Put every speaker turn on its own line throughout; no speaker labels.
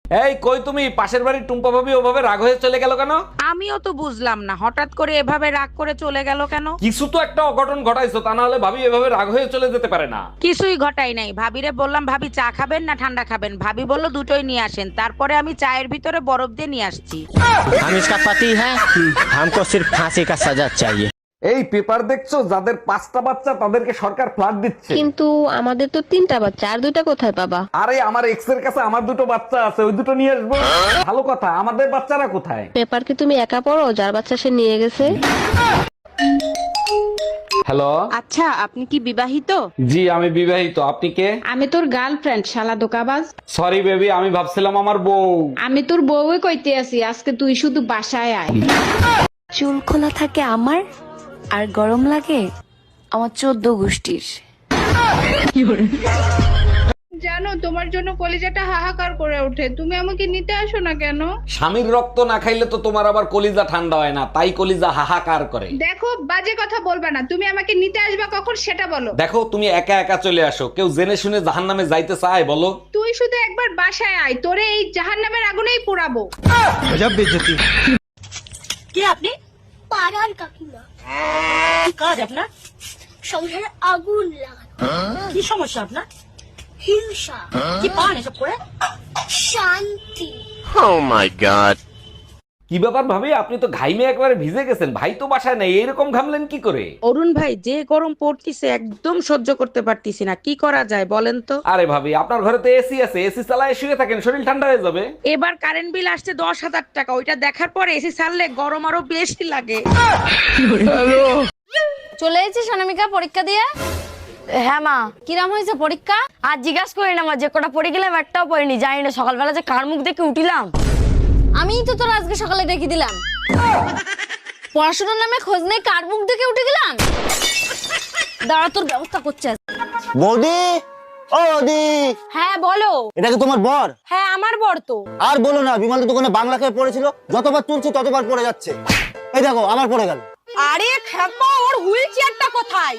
এই কই তুমি? পাশের বাড়ির টুম্পা ভাবি ওভাবে রাগ হয়ে চলে গেল কেন?
আমিও তো বুঝলাম না হঠাৎ করে এভাবে রাগ করে চলে গেল কেন।
কিছু তো একটা অঘটন ঘটাইছো, তা না হলে ভাবি এভাবে রাগ হয়ে চলে যেতে পারে না।
কিছুই ঘটাই নাই। ভাবিরে বললাম ভাবি চা খাবেন না ঠান্ডা খাবেন, ভাবি বললো দুটোই নিয়ে আসেন। তারপরে আমি চায়ের ভিতরে বরফ দিয়ে নিয়ে আসছি।
हम इसका पति है, हमको सिर्फ फांसी का सजा चाहिए।
এই পেপার দেখছো? যাদের 5টা বাচ্চা তাদেরকে সরকার ফ্ল্যাট দিচ্ছে।
কিন্তু আমাদের তো 3টা বাচ্চা, আর 2টা কোথায় পাবা?
আরে আমার এক্স এর কাছে আমার 2টো বাচ্চা আছে, ওই 2টো নিয়ে আসবো। ভালো কথা, আমাদের বাচ্চারা কোথায়?
পেপার কি তুমি একা পড়ো? যার বাচ্চা সে নিয়ে গেছে।
হ্যালো।
আচ্ছা, আপনি কি বিবাহিত?
জি আমি বিবাহিত। আপনি কে?
আমি তোর গার্লফ্রেন্ড, শালা দোকাবাজ।
সরি বেবি, আমি ভাবছিলাম আমার বউ।
আমি তোর বউই কইতে আছি, আজকে তুই শুধু বাসায় আয়।
চুল খোলা থাকে আমার, আর গরম লাগে আমার 14 গোষ্ঠীর।
জানো তোমার জন্য কলিজাটা হাহাকার করে ওঠে, তুমি আমাকে নিতে আসো না কেন?
স্বামীর রক্ত না খাইলে তো তোমার আবার কলিজা ঠান্ডা হয় না, তাই কলিজা হাহাকার করে।
দেখো বাজে কথা বলবা না, তুমি আমাকে নিতে আসবা কখন সেটা বলো।
দেখো তুমি একা একা চলে আসো, কেউ জেনে শুনে জাহান্নামে যাইতে চায় বলো?
তুই শুধু একবার বাসায় আয়, তোরে এই জাহান্নামের আগুনেই পোড়াবো।
কে আপনি? পাড়ার কাকিমা। কি কাজ আপনার? সংসারে আগুন লাগানো। কি সমস্যা আপনার? হিংসা। কি পান এসব করে? শান্তি।
Oh my God!
কি ব্যাপার ভাবি, আপনি তো ঘাইমে একবারে ভিজে গেছেন, ভাই তো বাসায় নাই, এরকম ঘামলেন কি করে?
অরুণ ভাই, যে গরম পড়তিছে একদম সহ্য করতে পারতিছি না, কি করা যায় বলেন তো?
আরে ভাবি, আপনার ঘরে তো এসি আছে, এসি চালায় শুয়ে থাকেন, শরীর ঠান্ডা হয়ে যাবে।
এবার কারেন্ট বিল আসছে 10,000 টাকা, ওইটা দেখার পরে এসি ছাড়লে গরম আরো বেশি লাগে।
চলে এসেছিস অনামিকা পরীক্ষা দিয়ে? হ্যাঁ মা। কিরাম হয়েছে পরীক্ষা? আর জিজ্ঞাসা করি না মা, যে কটা পড়ে গেলাম একটাও পড়িনি, জানি না সকালবেলা যে কার মুখ দেখে উঠিলাম। আমিই তো তোর আজকে সকালে ডেকে দিলাম। পড়াশোনার নামে খোঁজ নেই, কার মুখ দেখে উঠে গেলাম। দাঁড়া, তোর ব্যবস্থা করছে।
বৌদি, ও বৌদি।
হ্যাঁ বলো।
এটা কি তোমার বর?
হ্যাঁ আমার বর তো।
আর বলো না, বিমলের দোকানে বাংলা খেয়ে পড়েছিল, যতবার তুলছি ততবার পড়ে যাচ্ছে। এই দেখো আবার পড়ে গেল।
আরে খেপা, ওর হুইল চেয়ারটা কোথায়?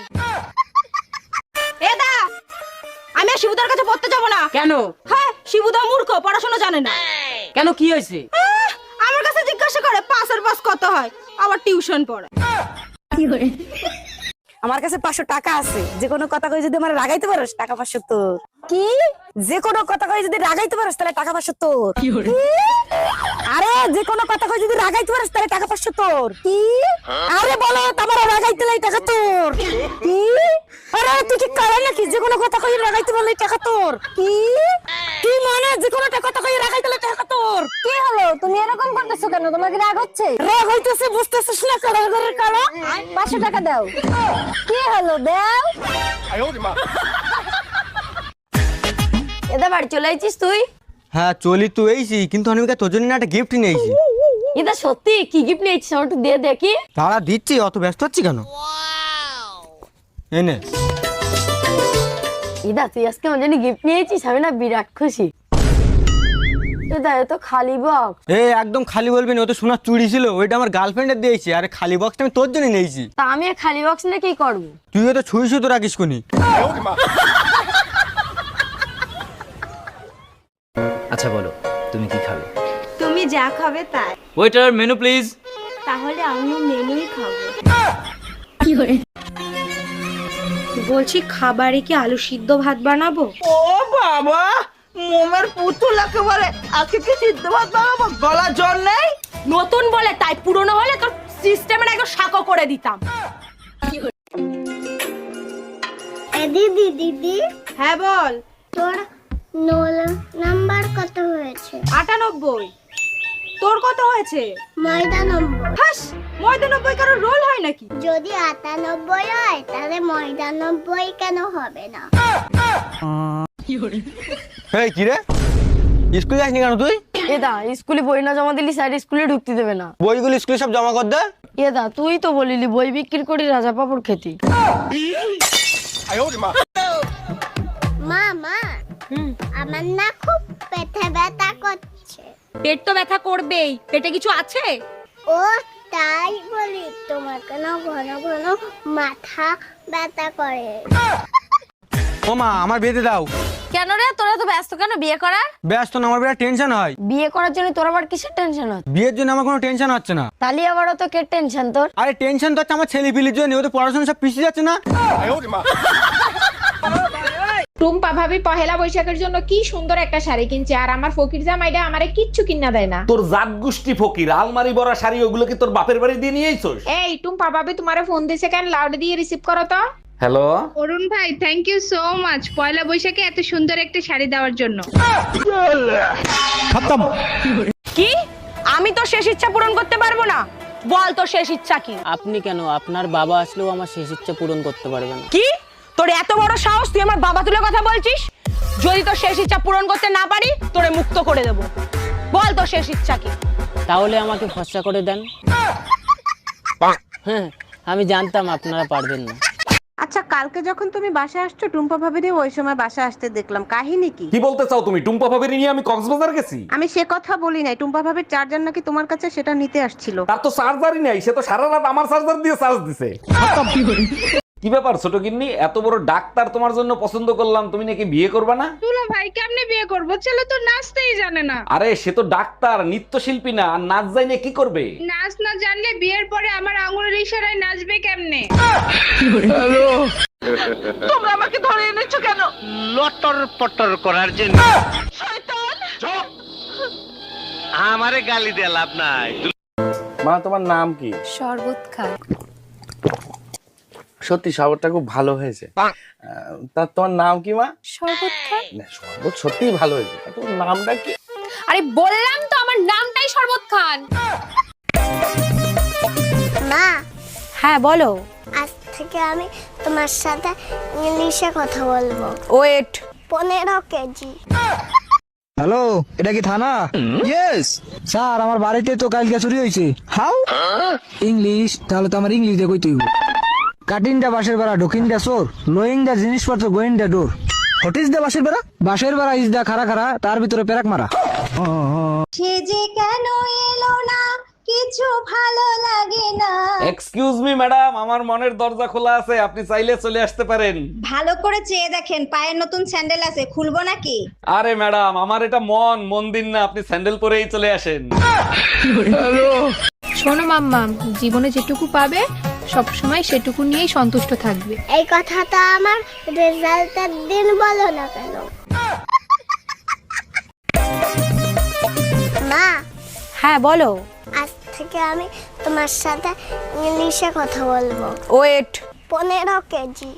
এ দা, আমি আর শিবুদার কাছে পড়তে যাবো না।
কেন?
হ্যাঁ, শিবুদা মূর্খ, পড়াশোনা জানে না।
কেন, কি হয়েছে?
আমার কাছে জিজ্ঞাসা করে পাসের পাস কত হয়, আবার টিউশন পড়ে।
আমার কাছে 500 টাকা আছে, যে কোনো কথা কই যদি আমার রাগাইতে পারোস টাকা 500 তোর। কি? যে কোনো কথা কই যদি রাগাইতে পারোস তাহলে টাকা 500 তোর। আরে যে কোনো কথা কই যদি রাগাইতে পারোস তাহলে টাকা 500 তোর। কি? আরে বলো, তোমার রাগাইতে লাই টাকা তোর। কি? আরে তুই কি করে নাকি? যে কোনো কথা কই রাগাইতে বললে টাকা তোর। কি? কি মানে যে কোনো কথা কই রাগাইতে লাই টাকা তোর?
কি হলো, তুমি এরকম করতেছো কেন? তোমার কি রাগ হচ্ছে?
রাগ হইতেছে, বুঝতেছিস না? কারাগারের কালো
500 টাকা দাও। কি হলো, দাও। এদা বাড়ি চলে আইছিস তুই?
হ্যাঁ চলি তো এইছি, কিন্তু অনামিকা তোর জন্য একটা গিফট নিয়েছি।
এটা সত্যি? কি গিফট নিয়েছিস আমার একটু দিয়ে দেখি।
তারা দিচ্ছি, অত ব্যস্ত হচ্ছি কেন? এনে
ইদা, তুই আজকে আমার জন্য গিফট নিয়েছিস, আমি না বিরাট খুশি। এটা তো খালি বক্স।
একদম খালি বলবি না, ও তো সোনার চুড়ি ছিল, ওইটা আমার গার্লফ্রেন্ডের দিয়েছি, আর খালি বক্সটা আমি তোর জন্য নিয়েছি।
তা আমি আর খালি বক্স নিয়ে কি করবো?
তুইও তো ছুঁই শুধু রাখিস কোনি।
আচ্ছা বলো, তুমি কি খাবে?
তুমি যা খাবে তাই।
Waiter, menu please.
তাহলে আমিও মেনুই খাবো।
বলছি খাবারে কি আলু সিদ্ধ ভাত বানাবো?
ও বাবা, মোমের পুতুল একেবারে। আজকে কি সিদ্ধ ভাত বানাবো? গলা জল নেই?
নতুন বলে তাই, পুরনো হলে তোর সিস্টেমের একদম শাকো করে দিতাম।
দিদি দিদি,
হ্যাঁ বল।
তোর রোল নাম্বার কত হয়েছে?
98। তোর কত হয়েছে?
99।
হাস, 99 কারো রোল হয় নাকি?
যদি 98 হয় তাহলে 99 কেন হবে না?
এই কি রে, স্কুলে যাসনি কেন তুই?
এদা, স্কুলে বই না জমা দিলি স্যার স্কুলে ঢুকতে দেবে না।
বইগুলো স্কুলে সব জমা কর দে।
এদা, তুই তো বলিলি বই বিক্রি করি রাজা পাপড় খেতি।
মা মা, আমার না খুব পেটে ব্যথা করছে।
পেট তো ব্যথা করবেই, পেটে কিছু আছে?
ও তাই বলি, তোমার কেন ঘন ঘন মাথা ব্যথা করে?
ও মা, আমার বেঁধে দাও।
কেন রে, তোরা তো ব্যস্ত কেন বিয়ে করার?
ব্যস্ত না, আমার বিরাট টেনশন হয়।
বিয়ে করার জন্য তোর আবার কিসের টেনশন হচ্ছে?
বিয়ের জন্য আমার কোনো টেনশন হচ্ছে না।
তাহলে আবারও তো কে টেনশন তোর?
আরে টেনশন তো হচ্ছে আমার ছেলে পিলির জন্য, ওদের পড়াশোনা সব পিছিয়ে যাচ্ছে না।
টুম্পা ভাবি পহেলা বৈশাখের জন্য কি সুন্দর একটা শাড়ি কিনছে, আর আমার ফকির জামাইটা আমারে কিচ্ছু কিনা দেয় না।
তোর জাত গোষ্ঠী ফকির, আলমারি ভরা শাড়ি ওগুলো কি তোর বাপের বাড়ি দিয়ে নিয়ে আইছস?
এই টুম্পা ভাবি তোমারে ফোন দিছে কেন? লাউড দিয়ে রিসিভ করো তো।
হ্যালো,
অরুণ ভাই, থ্যাংক ইউ সো মাচ পয়লা বৈশাখে এত সুন্দর একটা শাড়ি দেওয়ার জন্য।
কি? আমি তো শেষ ইচ্ছা পূরণ করতে পারবো না? বল তোর শেষ ইচ্ছা কি?
আপনি কেন, আপনার বাবা আসলেও আমার শেষ ইচ্ছা পূরণ করতে পারবে না।
কি? তোর এত বড় সাহস, তুই আমার বাবা তুলে কথা বলছিস? যদি তোর শেষ ইচ্ছা পূরণ করতে না পারি, তোরে মুক্ত করে দেব। বল তোর শেষ ইচ্ছা কি?
তাহলে আমাকে ফর্সা করে দেন। হ্যাঁ, আমি জানতাম আপনারা পারবেন না।
আচ্ছা, কালকে যখন তুমি বাসায় আসছো টুম্পা ভাবিরে ওই সময় বাসায় আসতে দেখলাম, কাহিনী কি?
কি বলতে চাও তুমি? টুম্পা ভাবির নিয়ে আমি কক্সবাজার গেছি?
আমি সে কথা বলি নাই, টুম্পা ভাবির চার্জার নাকি তোমার কাছে, সেটা নিতে আসছিল।
তার তো চার্জারই নাই, সে তো সারা রাত আমার চার্জার দিয়ে চার্জ দিছে। কি ব্যাপার ছোট গিন্নি, এত বড় ডাক্তার তোমার জন্য পছন্দ করলাম, তুমি নাকি বিয়ে করবে না?
দুলা ভাই কেমনে বিয়ে করবো? ছেলে তো নাচতেই জানে না।
আরে সে তো ডাক্তার, নৃত্যশিল্পী না, আর নাচ জানে কি করবে?
নাচ না জানলে বিয়ের পরে আমার আঙুলের ইশারায় নাচবে কেমনে?
তোমরা আমাকে ধরে এনেছো কেন?
লটর পটর করার জন্য। আমারে গালি দিয়ে লাভ নাই। মা, তোমার নাম কি?
শরবত খাই।
সত্যি শরবতটা খুব ভালো হয়েছে। তা তোমার নাম কি মা?
শরবত খাই।
না, শরবত সত্যিই ভালো হয়েছে। তোমার নামটা কি?
আরে বললাম তো আমার নামটাই শরবত খান।
মা,
হ্যাঁ বলো।
আজ থেকে আমি তোমার সাথে ইংলিশে কথা বলবো।
ওয়েট।
15 কেজি।
হ্যালো, এটা কি থানা? ইয়েস স্যার, আমার বাড়িতে তো কালকে চুরি হয়েছে। হাউ? ইংলিশ? তাহলে তো আমার ইংলিশ দিয়ে কইতে হইব। কাটিং দা বাসের বেড়া, ঢুকিং দা চোর, লোয়িং দা জিনিসপত্র, going the door. What is the বাসের বেড়া? বাসের বেড়া ইজ দা খারা খারা, তার ভিতরে পেরাক মারা।
সে যে কেন এলো না, কিছু ভালো লাগে না।
এক্সকিউজ মি ম্যাডাম, আমার মনের দরজা খোলা আছে, আপনি চাইলে চলে আসতে পারেন।
ভালো করে চেয়ে দেখেন, পায়ের নতুন স্যান্ডেল আছে, খুলবো নাকি?
আরে ম্যাডাম, আমার এটা মন্দির না, আপনি স্যান্ডেল পরেই চলে আসেন।
শোনো মাম্মা, জীবনে যেটুকু পাবে সবসময় সেটুকু নিয়েই সন্তুষ্ট থাকবে।
এই কথাটা আমার রেজাল্টের দিন বলো না কেন? মা,
হ্যাঁ বলো।
আজ থেকে আমি তোমার সাথে ইংলিশে কথা বলবো।
ওয়েট।
15 কেজি।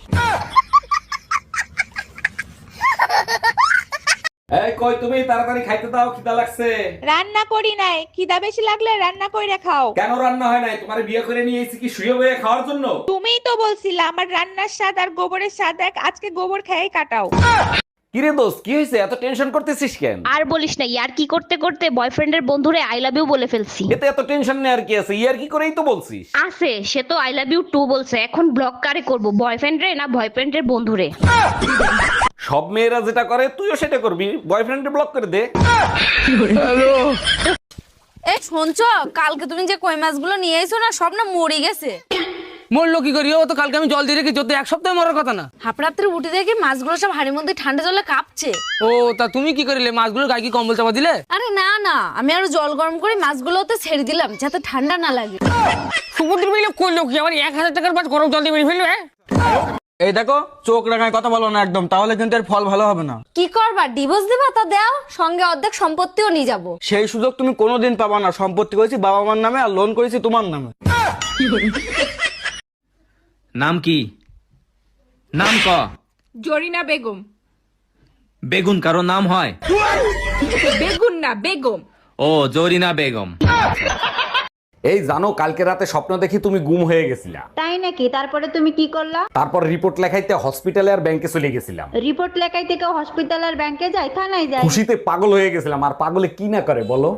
এই কই তুমি, তাড়াতাড়ি খাইতে দাও, খিদা লাগছে।
রান্না করি নাই, খিদা বেশি লাগলে রান্না কইরা খাও।
কেন রান্না হয় নাই? তোমার বিয়ে করে নিয়ে এসেছি কি শুয়ে বয়ে খাওয়ার জন্য?
তুমিই তো বলছিলা আমার রান্নার স্বাদ আর গোবরের স্বাদ এক, আজকে গোবর খেয়েই কাটাও।
কিরে দোস্ত, কি হয়েছে? এত টেনশন করতেছিস কেন?
আর বলিস না, ইয়ার কি করতে করতে বয়ফ্রেন্ডের বন্ধুরে আই লাভ ইউ বলে ফেলছি।
এতে এত টেনশন নেই আর কি আছে, ইয়ার কি করেই তো বলছিস।
আছে, সে তো আই লাভ ইউ টু বলছে, এখন ব্লক কারে করব, বয়ফ্রেন্ড রে না বয়ফ্রেন্ডের বন্ধুরে?
সব মেয়েরা যেটা করে তুইও সেটা করবি, বয়ফ্রেন্ডে ব্লক করে দে।
এই শুনছো, কালকে তুমি যে কই মাছগুলো নিয়ে এসো না, সব না মরে গেছে।
মরলো কি করি? ও তো কালকে আমি জল দিয়ে রেখেছি, তো এক সপ্তাহে মরার কথা না।
হাপড়াপড়ে উঠে দেখি মাছগুলো সব হাড়ির মধ্যে ঠান্ডা জলে কাঁপছে।
ও, তা তুমি কি করিলে? মাছগুলোর গায়ে কি কম্বল চাপা দিলে?
আরে না না, আমি আরো জল গরম করে মাছগুলোতে ছেড়ে দিলাম যাতে ঠান্ডা না লাগে।
সমুদ্র মিলে করলো কি? আমার 1000 টাকার মাছ গরম জল দিয়ে মেরে ফেলবে? এই দেখো, চোখ রাঙায় কথা বলো না একদম, তাহলে কিন্তু এর ফল ভালো হবে না।
কি করবা? ডিভোর্স দিবা? তা দাও, সঙ্গে অর্ধেক সম্পত্তিও নিয়ে যাবো।
সেই সুযোগ তুমি কোনোদিন পাবা না। সম্পত্তি করেছি বাবা মার নামে, আর লোন করেছি তোমার নামে।
নাম কি? নাম ক।
জরিনা বেগম।
বেগুন কারো নাম হয়?
বেগুন না, বেগম।
ও, জরিনা বেগম।
এই জানো, কালকে রাতে স্বপ্ন দেখি তুমি গুম হয়ে গেছিলা।
তাই নাকি? তারপরে তুমি কি করলা?
তারপর রিপোর্ট লেখাইতে হসপিটালে আর ব্যাংকে চলে গেছিলাম।
রিপোর্ট লেখাইতে কেউ হসপিটাল আর ব্যাংকে যায়? থানায় যায়।
খুশিতে পাগল হয়ে গেছিলাম, আর পাগলে কি না করে বলো।